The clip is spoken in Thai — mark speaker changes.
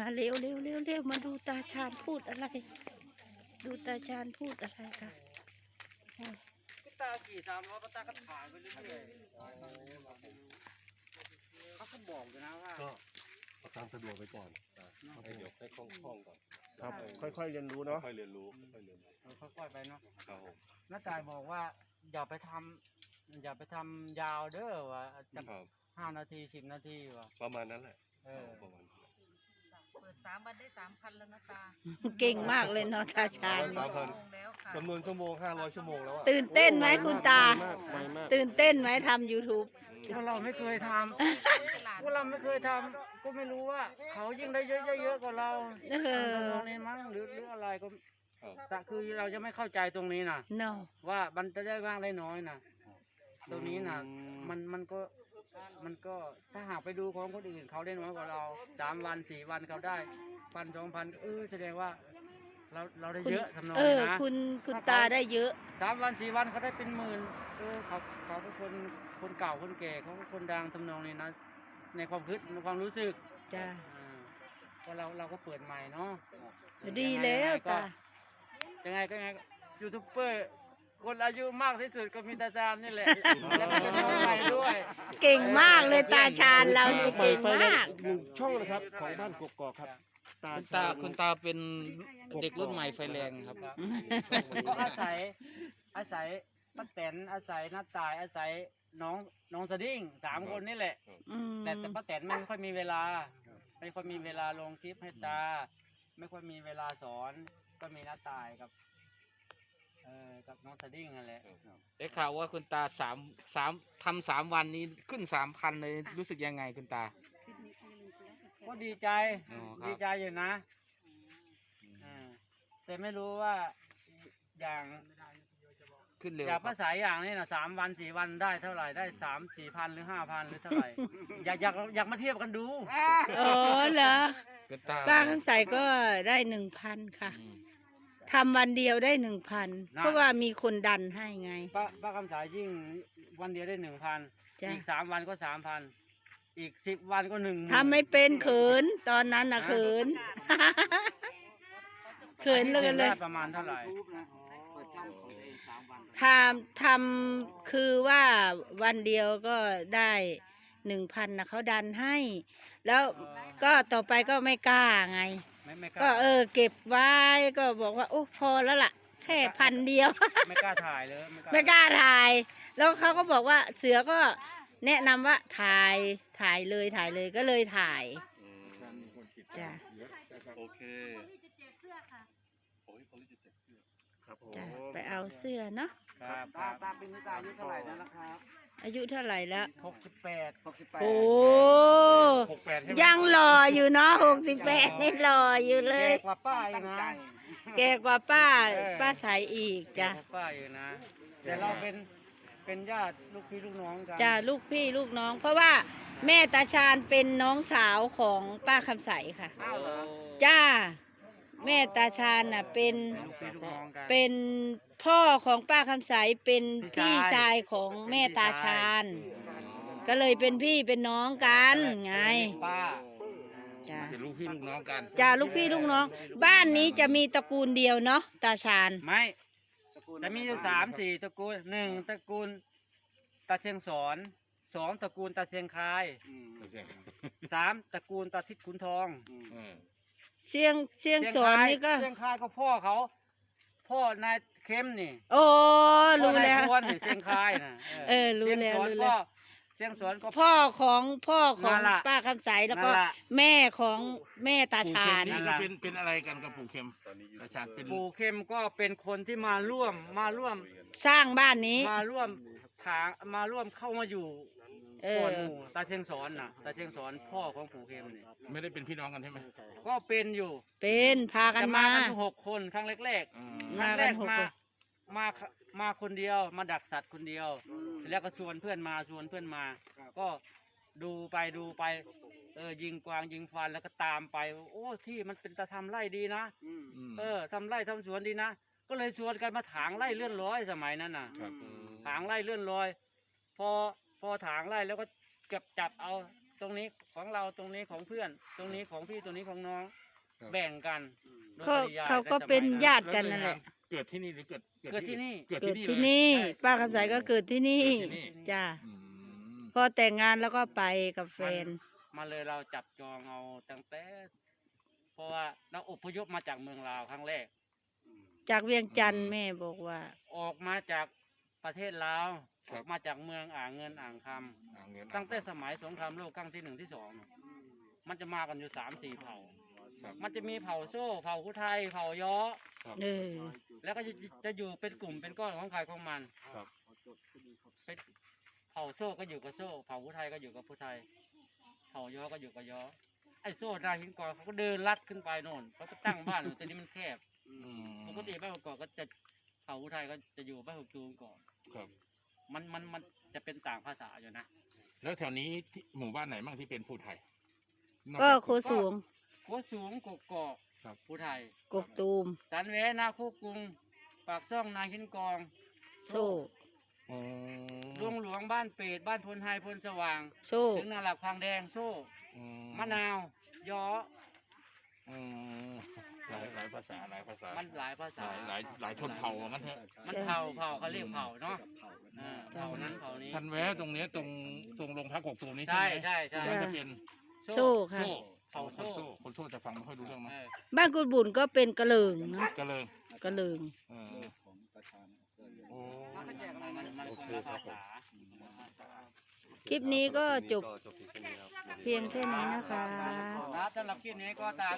Speaker 1: เร็วเร็วเร็วเร็วมาดูตาชาญพูดอะไร ดูตาชาญพูดอะไรค่ะ
Speaker 2: ตาขี่300ก็ตาก็ถ่ายไปเรื่อยๆเขาก็บอกอยู่นะว่า
Speaker 3: ก็เอาตามสะดวกไปก่อนให้เดี๋ยวให้คล่องๆก่อน
Speaker 4: ครับค่อยๆเรียนรู้เนาะ
Speaker 3: ค่อยเรียนรู้ค่อยเรียนรู้
Speaker 2: ค่อยๆไปเนาะ
Speaker 3: ครับผม
Speaker 2: น้าตายบอกว่าอย่าไปทำยาวเด้อว่าจะ
Speaker 3: ครับ
Speaker 2: 5 นาที 10 นาทีว่ะ
Speaker 3: ประมาณนั้นแหละ
Speaker 2: ประมาณ
Speaker 5: เปิด3 วันได้ 3,000แล้วนะตา
Speaker 1: เก่งมากเลยเนาะตาชาญ
Speaker 5: ชั่วโมงแล้วค่ะ
Speaker 3: จำนวนชั่วโมง500 ชั่วโมงแล้วอะ
Speaker 1: ตื่นเต้นไหมคุณตา
Speaker 4: ไวมาก
Speaker 1: ตื่นเต้นไหมทำ YouTube
Speaker 2: พวกเราไม่เคยทำพวกเราไม่เคยทำก็ไม่รู้ว่า เขายิ่งได้เยอะกว่าเรา
Speaker 1: เออ
Speaker 2: ตรงนี้มั้งหรืออะไรก็
Speaker 3: ครับ
Speaker 2: แต่คือเราจะไม่เข้าใจตรงนี้นะ
Speaker 1: เนาะ
Speaker 2: ว่ามันจะได้บ้างได้น้อยนะตรงนี้นะมันก็ถ้าหากไปดูของคนอื่นเขาได้น้อยกว่าเรา3 วัน 4 วันเขาได้1,000 2,000แสดงว่าเราได้เยอะทำนอง
Speaker 1: เอ
Speaker 2: นี้
Speaker 1: อ
Speaker 2: นะ
Speaker 1: คุณตาได้เยอะ
Speaker 2: 3 วัน 4 วันเขาได้เป็นหมื่นเขาเป็นคนเก่าคนแก่เขาเป็นคนดังทำนองนี้นะในความคิดในความรู้สึก
Speaker 1: จ้า
Speaker 2: ก็เราก็เปิดใหม่เนาะ
Speaker 1: ดีแล้วตา
Speaker 2: ยังไงก็ยูทูบเบอร์คนอายุมากที่สุดก็มีตาจานนี่แหละแล้วก็เป็นน้องใหม่ด้วย
Speaker 1: เก่งมากเลยตาชาญเรานี่
Speaker 4: เปิ
Speaker 1: เก่
Speaker 4: ด
Speaker 1: ง
Speaker 4: ไฟแร
Speaker 1: มาก
Speaker 4: กอีกหนึ่งช่องนะครับของบ้านกกอกครับตา
Speaker 6: คุณตาเป็นเด็กรุ่นใหม่ไฟแรงครับ
Speaker 2: ก็อาศัยป้าแตนอาศัยน้าตายอาศัยน้องสดิ้ง3 คนนี่แหละ
Speaker 1: อืม
Speaker 2: แต่ป้าแตนไม่ค่อยมีเวลาไม่ค่อยมีเวลาลงคลิปให้ตา ไม่ค่อยมีเวลาสอนก็มีน้าตายกับน้องสดิ้งนั่นแหละ
Speaker 6: ได้ข่าวว่าคุณตาทำ3 วันนี้ขึ้น3,000เลยรู้สึกยังไงคุณตา
Speaker 2: ก็ดีใจ
Speaker 6: อ๋อครับ
Speaker 2: ดีใจอยู่นะแต่ไม่รู้ว่าอย่าง
Speaker 6: ขึ้นเร็ว
Speaker 2: อย่าง
Speaker 6: ครั
Speaker 2: ภา
Speaker 6: บ
Speaker 2: ษาอย่างนี้นะ3 วัน 4 วันได้เท่าไหร่ได้3-4 พันหรือ5,000หรือเท่าไหร่ อยากมาเทียบกันดู
Speaker 1: อ๋อเหรอ
Speaker 6: คุณตา
Speaker 1: ป้าคำใสก็ได้1,000ค่ะ
Speaker 6: อืม
Speaker 1: ทำวันเดียวได้1,000เพราะว่ามีคนดันให้ไง
Speaker 2: ป้าคำสายยิ่งวันเดียวได้ 1,000
Speaker 1: จ้ะ
Speaker 2: อีก3 วันก็ 3,000 อีก10 วันก็1,000
Speaker 1: ทำไม่เป็นเขินตอนนั้นนะเขิน เขินเลยเลย
Speaker 2: ได้ประมาณเท่าไหร่
Speaker 1: ทำคือว่าวันเดียวก็ได้1,000นะเขาดันให้ แล้วก็ต่อไปก็ไม่กล้าไง
Speaker 2: ไม่ก
Speaker 1: ก็
Speaker 2: ล้า
Speaker 1: เก็บไว้ก็บอกว่าโอ้พอแล้วล่ะ แค่1,000 เดียว
Speaker 2: ไม่กล้าถ่ายเลย
Speaker 1: ไม่กล้าถ่าย แล้วเขาก็บอกว่าเสือก็แนะนำว่าถ่ายเลยก็เลยถ่ายจ้ะ
Speaker 3: โอเคโอ้ยเขาจะเจ็บเสื้อ
Speaker 4: ครับผม
Speaker 1: จ้ะไปเอาเสื้อเนาะ
Speaker 2: ครับตาเป็นนิตาอายุเท่าไหร่แล้วนะครับ
Speaker 1: อายุเท่าไหร่แล้ว
Speaker 2: 68
Speaker 1: โอ้
Speaker 3: 68ใช่ไหม
Speaker 1: ยังหล่ออยู่เนาะ68นี่หล่ออยู่เล
Speaker 2: แก่
Speaker 1: ย
Speaker 2: กว่าป้าอีกนะ
Speaker 1: แก่กว่าป้าใสอีกจ้ะ
Speaker 2: แก่กว่าป้าอยู่นะแต่เราเป็นญาติลูกพี่ลูกน้องกัน
Speaker 1: จ้ะลูกพี่ลูกน้อง เพราะว่าแม่ตาชาญเป็นน้องสาวของป้าคำใสค่ะ
Speaker 2: อ้าวเหรอ
Speaker 1: จ้า แม่ตาชาญน่ะเป็น
Speaker 2: ลูกพี่ลูกน้องกัน
Speaker 1: เป็นพ่อของป้าคำใสเป็น
Speaker 2: พี่
Speaker 1: พี่
Speaker 2: ชาย
Speaker 1: ชายของแม่ตาชาญก็เลยเป็นพี่เป็นน้องกันไง
Speaker 2: ป้า
Speaker 1: จ้า
Speaker 6: เป็นลูกพี่ลูกน้องกัน
Speaker 1: จ้าลูกพี่ลูกน้อง บ้านนี้จะมีตระกูลเดียวเนาะตาชาญ
Speaker 2: ไม่แต่มีอยู่3-4ตระกูล1ตระกูลตาเชียงสอน2ตระกูลตาเชียงคาย3ตระกูลตาทิศขุนทอง
Speaker 1: เชียงสอนนี่ก็
Speaker 2: เชียงคายก็พ่อเขา พ่อนายเข้มนี่
Speaker 1: โอ้รู้
Speaker 2: พ่อนาย
Speaker 1: แล้ว
Speaker 2: พวนนี่เชียงคายนะ
Speaker 1: รู้แล้ว
Speaker 2: เชียงสอน
Speaker 1: รู้แล้
Speaker 2: ก็
Speaker 1: ว
Speaker 2: เชียงสอนก็
Speaker 1: พ่อของ
Speaker 2: นั่นล่ะ
Speaker 1: ป้าคำใสแล้วก็
Speaker 2: นั่นล่ะ
Speaker 1: แม่ของแม่ตาชาญ
Speaker 6: นี่ก็เป็นอะไรกันกับปู่เข็มอาจารย์เป็น
Speaker 2: ปู่เข้มก็เป็นคนที่มาร่วม
Speaker 1: สร้างบ้านนี้
Speaker 2: มาร่วมเข้ามาอยู่
Speaker 1: เอ
Speaker 2: ก่อ
Speaker 1: อน
Speaker 2: หมู่ตาเชียงสอนน่ะตาเชียงสอนพ่อของปู่เข้มนี่
Speaker 6: ไม่ได้เป็นพี่น้องกันใช่ไหม
Speaker 2: ก็เป็นอยู่
Speaker 1: เป็นพากัน
Speaker 2: จะ
Speaker 1: มา
Speaker 2: กันทุก6 คนครั้งแรก
Speaker 6: อืม
Speaker 2: ๆครั้งแรก
Speaker 1: มากัน6
Speaker 2: มาคนเดียวมาดักสัตว์คนเดียวแล้วก็ชวนเพื่อนมาก็ดูไปยิงกวางยิงฟันแล้วก็ตามไปโอ้ที่มันเป็นตะทำไร่ดีนะ ทำไร่ทำสวนดีนะ ก็เลยชวนกันมาถางไร่เลื่อนร้อยสมัยนั้นน่ะ
Speaker 6: ครับ
Speaker 2: ถางไร่เลื่อนลอยพอถางไร่แล้วก็จับเอาตรงนี้ของเราตรงนี้ของเพื่อน ตรงนี้ของพี่ตรงนี้ของน้อง แบ่งกันโดย
Speaker 1: เขา
Speaker 2: ปริยาย
Speaker 1: เขาก็
Speaker 2: ใสมัย
Speaker 1: เป็นญาติกันนั่นแหละ
Speaker 7: เกิดที่นี่หรือเกิด
Speaker 2: เกิดที่นี่
Speaker 7: เกิด
Speaker 1: เกิด
Speaker 7: ที่
Speaker 1: ที่
Speaker 7: นี่เลย
Speaker 1: นี่ ป้าคำใสก็เกิดที่นี่
Speaker 7: เกิดที่นี่
Speaker 1: จ้า
Speaker 7: อืม
Speaker 1: พอแต่งงานแล้วก็ไปกับแฟน
Speaker 2: มาเลยเราจับจองเอาตั้งแต่เพราะว่าเราอพยพมาจากเมืองลาวครั้งแรก
Speaker 1: จากเวียงจันทร์แม่บอกว่า
Speaker 2: ออกมาจากประเทศลาวออกมาจากเมืองอ่างเงินอ่างคำ
Speaker 7: เอาเงิน
Speaker 2: ตั้งแต่สมัยสงครามโลกครั้งที่1ที่2มันจะมากันอยู่3-4เผ่า
Speaker 7: ครับ
Speaker 2: มันจะมีเผ่าโซ่เผ่าผู้ไทยเผ่าย้อ
Speaker 1: เออ
Speaker 2: แล้วก็จะอยู่เป็นกลุ่มเป็นก้อนของใครของมัน
Speaker 7: ครับ
Speaker 2: เป็นเผ่าโซ่ก็อยู่กับโซ่ เผ่าผู้ไทยก็อยู่กับผู้ไทย เผ่าย้อก็อยู่กับย้อ ไอ้โซ่นาหินกอเขาก็เดินลัดขึ้นไปโน่นเขาก็ตั้งบ้านอยู่แต่นี้มันแคบ
Speaker 7: อืม
Speaker 2: ปกติบ้านกอกก็จะเผ่าผู้ไทยก็จะอยู่บ้านหกตูมก่อน
Speaker 7: ครับ
Speaker 2: มันจะเป็นต่างภาษาอยู่นะ
Speaker 7: แล้วแถวนี้ที่หมู่บ้านไหนบ้างที่เป็นผู้ไทยนอ
Speaker 1: ก็
Speaker 7: จาก
Speaker 1: โคสูง
Speaker 2: โคสูงกกอก
Speaker 7: ครับ
Speaker 2: ผู้ไทย
Speaker 1: กกตูม
Speaker 2: สันแหวนาโคกรุง ปากซ่องนาหินกอง
Speaker 1: โซ่
Speaker 7: อ๋อ
Speaker 2: หลวงหลวงบ้านเป็ดบ้านพลไฮพลสว่าง
Speaker 1: โซ่
Speaker 2: ถึงนาหลักพางแดงโซ่
Speaker 7: อื
Speaker 2: มะนาวย้อ
Speaker 7: อืมหลายภาษาหลายภาษา
Speaker 2: มันหลายภาษา
Speaker 7: หลายชนเผ่าว่างั้นเถอะ
Speaker 2: มันเผาเขาเรียกเผาเนาะเผานั้นเผานี้
Speaker 7: ทันแวะตรงเนี้ยตรงโรงพักกกตูมนี่
Speaker 2: ใช่
Speaker 7: ไหม
Speaker 2: ใช่ใช่
Speaker 7: ตรงนั้นจะเป็น
Speaker 1: โซ่ค่ะ
Speaker 7: โซ่
Speaker 2: เผาโซ่
Speaker 7: คนโซ่จะฟังไม่ค่อยรู้เรื่องมั้ง
Speaker 2: เออ
Speaker 1: บ้านกุดบุญก็เป็นกระเลิงเนาะ
Speaker 7: กระเลิง
Speaker 1: กระเลิง
Speaker 7: เออโอ้
Speaker 2: มันคนละภาษา
Speaker 1: คลิปนี้ก็จบ
Speaker 3: ก็จบเพียงแค่นี้ครับ
Speaker 1: เพียงแค่นี้นะคะ
Speaker 2: ครับสำหรับคลิปนี้ก็ตาม